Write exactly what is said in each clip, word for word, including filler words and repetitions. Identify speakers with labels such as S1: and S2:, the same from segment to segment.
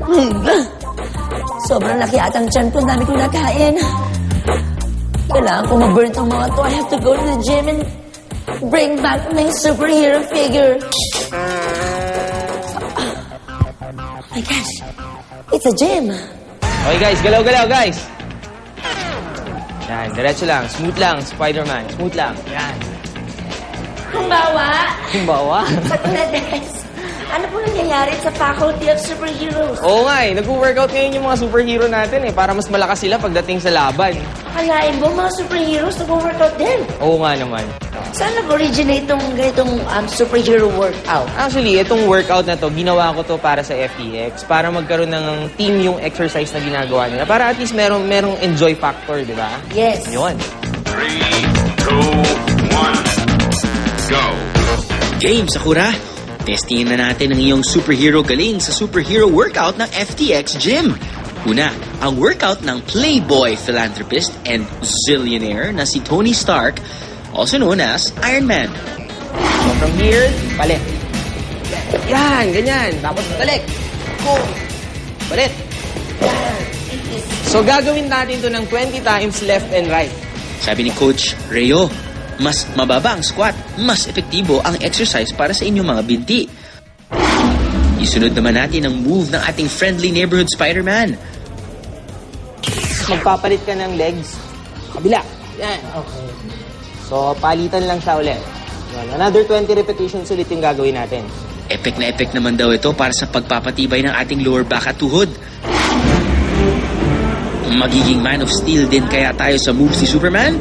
S1: Sobrang laki atang tiyan ko. Ang dami kong nakain. Kailangan ko mag-burn tong mga to. I have to go to the gym and bring back my superhero figure. Oh my gosh. It's a gym.
S2: Okay guys, galaw-galaw guys. Yan, diretso lang. Smooth lang, Spider-Man. Smooth lang. Yan.
S1: Kumbawa.
S2: Kumbawa.
S1: Patuloy, ano po nangyayari sa Faculty of Superheroes?
S2: Oo nga eh, nag-workout ngayon yung mga superhero natin eh, para mas malakas sila pagdating sa laban.
S1: Kalain mo, mga superheroes nag-workout din.
S2: Oo nga naman.
S1: Saan nag-originate itong ganitong um, superhero workout?
S2: Actually, itong workout na to, ginawa ko to para sa F T X, para magkaroon ng team yung exercise na ginagawa nila. Para at least merong, merong enjoy factor, di ba?
S1: Yes.
S2: Yun.
S3: three, two, one, go!
S4: Game, Sakura! Testingin na natin ang iyong superhero galing sa superhero workout ng F T X Gym. Una, ang workout ng playboy philanthropist and zillionaire na si Tony Stark, also known as Iron Man.
S2: So from here, balik. Yan, ganyan. Tapos balik. Go. Balik. Yan. So gagawin natin to ng twenty times left and right.
S4: Sabi ni Coach Reo, mas mababa ang squat, mas epektibo ang exercise para sa inyong mga binti. Isunod naman natin ang move ng ating friendly neighborhood Spider-Man.
S2: Magpapalit ka ng legs. Kabila. Yan.
S1: Okay.
S2: So palitan lang siya ulit. Yan. Another twenty repetitions ulit yung gagawin natin.
S4: Epic na epic naman daw ito para sa pagpapatibay ng ating lower back at tuhod. Magiging Man of Steel din kaya tayo sa moves ni Superman?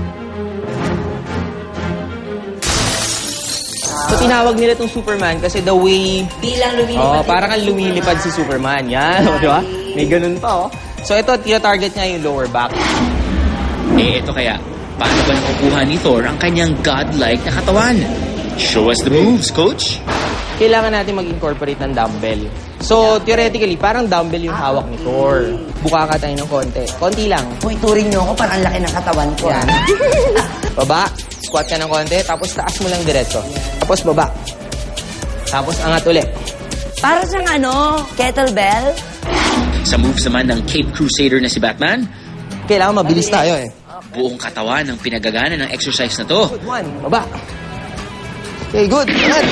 S2: So tinawag nila itong Superman kasi the way...
S1: Bilang lumilipad.
S2: Oh, parang kang lumilipad si Superman. Yan, o, di ba? May ganun pa, oh. So ito, tina-target niya yung lower back.
S4: Eh, ito kaya, paano ba nakukuha ni Thor ang kanyang godlike na katawan? Show us the moves, Coach!
S2: Kailangan natin mag-incorporate ng dumbbell. So, theoretically, parang dumbbell yung hawak ni Thor. Buka ka tayo ng konti. Konti lang.
S1: Uy, turing niyo ako, parang laki ng katawan ko.
S2: Yan. Baba, squat ka ng konti, tapos taas mo lang diretso. Tapos baba. Tapos angat ulit.
S1: Para siyang ano, kettlebell.
S4: Sa moves naman ng Cape Crusader na si Batman,
S2: Kailangan mabilis tayo eh.
S4: buong katawan ang pinagagana ng exercise na to.
S2: Good one. Baba. Okay, good. Angat.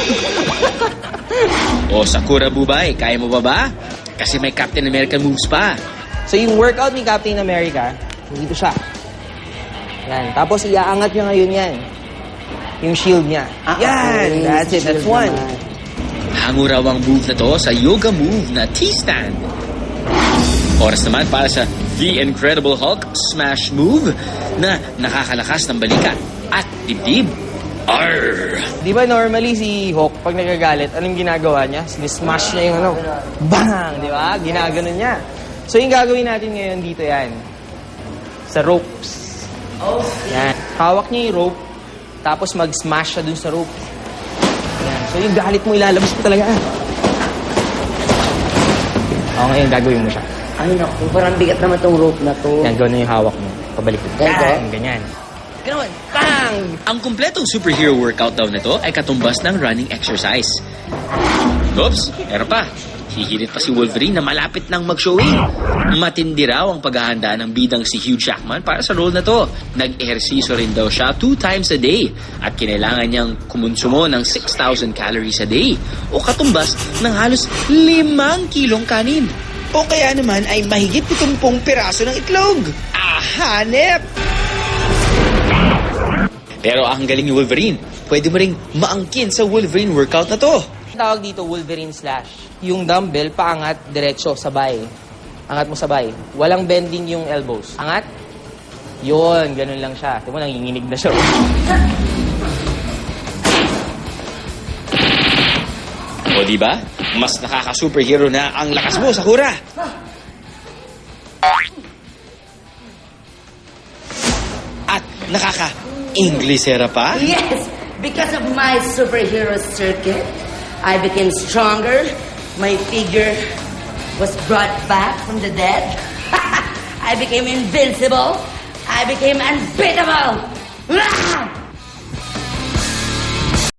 S4: O Sakura Bubay, kaya mo ba ba? Kasi may Captain America moves pa.
S2: So yung workout ni Captain America, dito siya. Yan. Tapos iaangat niya ngayon yan. Yung shield niya. Yan. That's it. That's one.
S4: Hango raw ang move na to sa yoga move na T-stand. Oras naman para sa The Incredible Hulk Smash Move na nakakalakas ng balikat at dibdib. Arr!
S2: Di ba normally si Hulk, pag nagagalit, anong ginagawa niya? Sinismash niya yung ano, bang! Di ba? Ginaganon niya. So yung gagawin natin ngayon dito yan. Sa ropes. Yan. Hawak niya yung rope, tapos mag-smash siya dun sa rope. Yan. So yung galit mo, ilalabas mo talaga. O ngayon, gagawin mo siya.
S1: Ay, naku, parang bigat naman tong rope na to.
S2: Yan, gano'n yung hawak mo. Pabalik.
S1: Ganito?
S2: Yan, ganyan. Gano'n. Bang!
S4: Ang kumpletong superhero workout daw nito ay katumbas ng running exercise. Oops, meron pa. Hihilit pa si Wolverine na malapit nang mag-showing. Matindi raw ang paghahanda ng bidang si Hugh Jackman para sa role na to. Nag-ehersisyo rin daw siya two times a day at kinailangan niyang kumonsumo ng six thousand calories a day o katumbas ng halos limang kilong kanin. O kaya naman ay mahigit pitumpong piraso ng itlog. Ah, hanep! Pero ang galing ni Wolverine, pwede mo ring maangkin sa Wolverine workout na to.
S2: Tawag dito Wolverine Slash. Yung dumbbell, paangat, diretso, sabay. Angat mo sabay. Walang bending yung elbows. Angat. Yun, ganun lang siya. Tingnan mo, nanginginig na siya.
S4: O diba? Mas nakaka-superhero na ang lakas mo, Sakura! At nakaka-Inglesera pa?
S1: Yes, because of my superhero circuit, I became stronger. My figure was brought back from the dead. I became invincible. I became unbeatable.